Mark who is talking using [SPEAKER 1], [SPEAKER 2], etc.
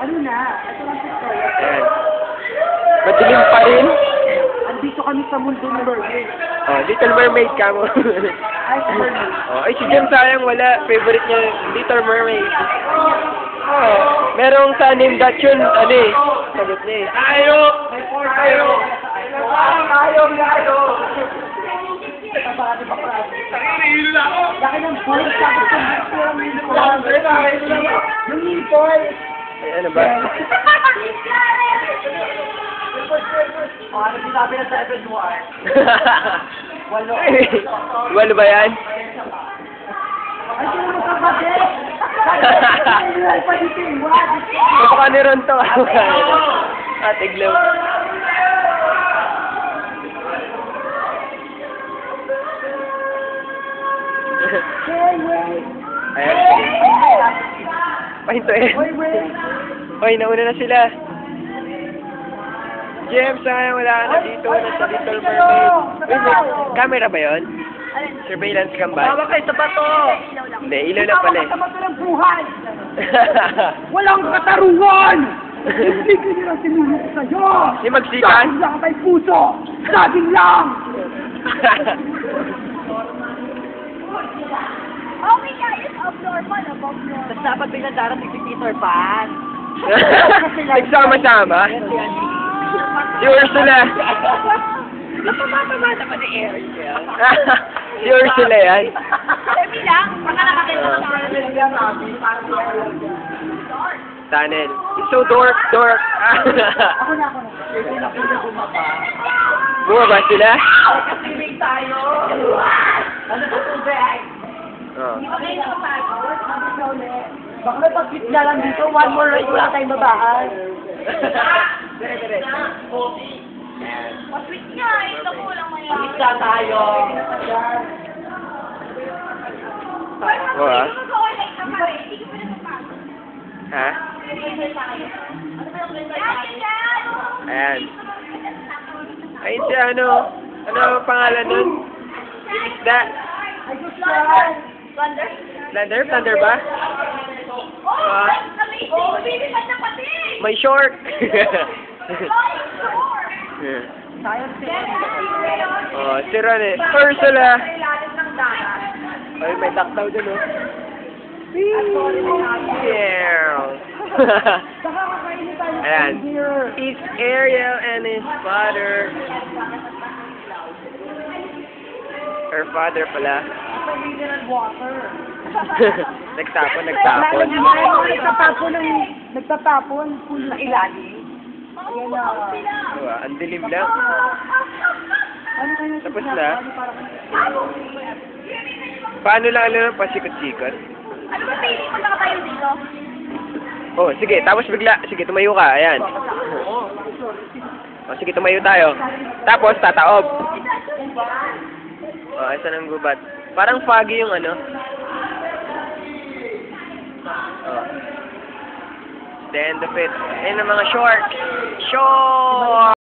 [SPEAKER 1] Ano na? Ito lang ito.
[SPEAKER 2] Ayan. Madilim pa rin.
[SPEAKER 1] Andito kami sa mundo ng mermaid.
[SPEAKER 2] Oh, Little Mermaid ka mo.
[SPEAKER 1] Ay, sa mermaid.
[SPEAKER 2] Oh, ay, si Jem sayang wala. Favorite niya, Little Mermaid. Oh, merong sa name that yun, ano eh. Sagot niya eh.
[SPEAKER 1] Ayo! May four tayo! Ayo! Ayo! Tabati ba ka? Hilo na ako! Laki ng boy! Sabi ko, yung nipol!
[SPEAKER 2] Ay, ano ba?
[SPEAKER 1] Ano sinabi na sa Edward? Walo.
[SPEAKER 2] Walo ba yan?
[SPEAKER 1] Ay, sino mo kapatid? Ay, pa dito yung wad.
[SPEAKER 2] Kapaka ni Ron to. Ate Glow.
[SPEAKER 1] Hey, wait!
[SPEAKER 2] Ayan. Pahintuin.
[SPEAKER 1] Wait, wait!
[SPEAKER 2] Hoy, nauna na sila. Jem, sayang wala ka na dito. Nasa Little Mermaid. Wait, wait. Camera ba yun? Surveillance cam ba?
[SPEAKER 1] Bawa kayo sa bato!
[SPEAKER 2] Hindi, ilaw lang pala eh.
[SPEAKER 1] Sa bato ng buhay! Walang katarungan! Hindi ko nila sinulong sa'yo!
[SPEAKER 2] Yung magsikan?
[SPEAKER 1] Saging lang may puso! Saging lang!
[SPEAKER 3] Okay guys, abnormal, abnormal.
[SPEAKER 1] Tapos dapat biglang darating si Peter Pan.
[SPEAKER 2] Nagsama-sama? Si Ursula.
[SPEAKER 1] Napapatama naman ni Eric.
[SPEAKER 2] Si Ursula yan.
[SPEAKER 3] Sabi lang, baka nakakita ko sa
[SPEAKER 2] Tunnel. It's so dark.
[SPEAKER 1] Ako na. Hindi na po na bumaba.
[SPEAKER 2] Bumaba sila?
[SPEAKER 1] Kasi may tayo. Ano sa tubig?
[SPEAKER 2] Oh.
[SPEAKER 1] Baka may pag-fit na lang dito. One more ride, wala tayong babaan. Dire.
[SPEAKER 3] Masweet nga, ito ko lang maya.
[SPEAKER 1] Isa tayo.
[SPEAKER 2] Oh, ah. Ha? Ayan. Ayun si ano? Ano ang pangalan nun? Isda?
[SPEAKER 3] Thunder?
[SPEAKER 2] Thunder ba?
[SPEAKER 3] Oh, amazing! Lumilipad na pati!
[SPEAKER 2] May short. Oh, si Ron eh. Ursula. Ay, may duck daw dun oh. Yeah. Ayan. It's Ariel and his father. Her father pala. Nagtapon.
[SPEAKER 1] Nagtatapon. Pool na ilalim. Ayan na.
[SPEAKER 2] Diba? Ang dilim lang.
[SPEAKER 1] Ano kayo?
[SPEAKER 2] Tapos na. Paano lang alam pasikot-sikot?
[SPEAKER 3] Ano ba pili mo na tayo dito?
[SPEAKER 2] Oh, sige. Tapos bigla. Sige, tumayo ka. Ayan. Oh, sige, tumayo tayo. Tapos, tataob. Oh, isa ng gubat. Parang foggy yung ano. Oh. The end of it. Ayun ang mga short. Short!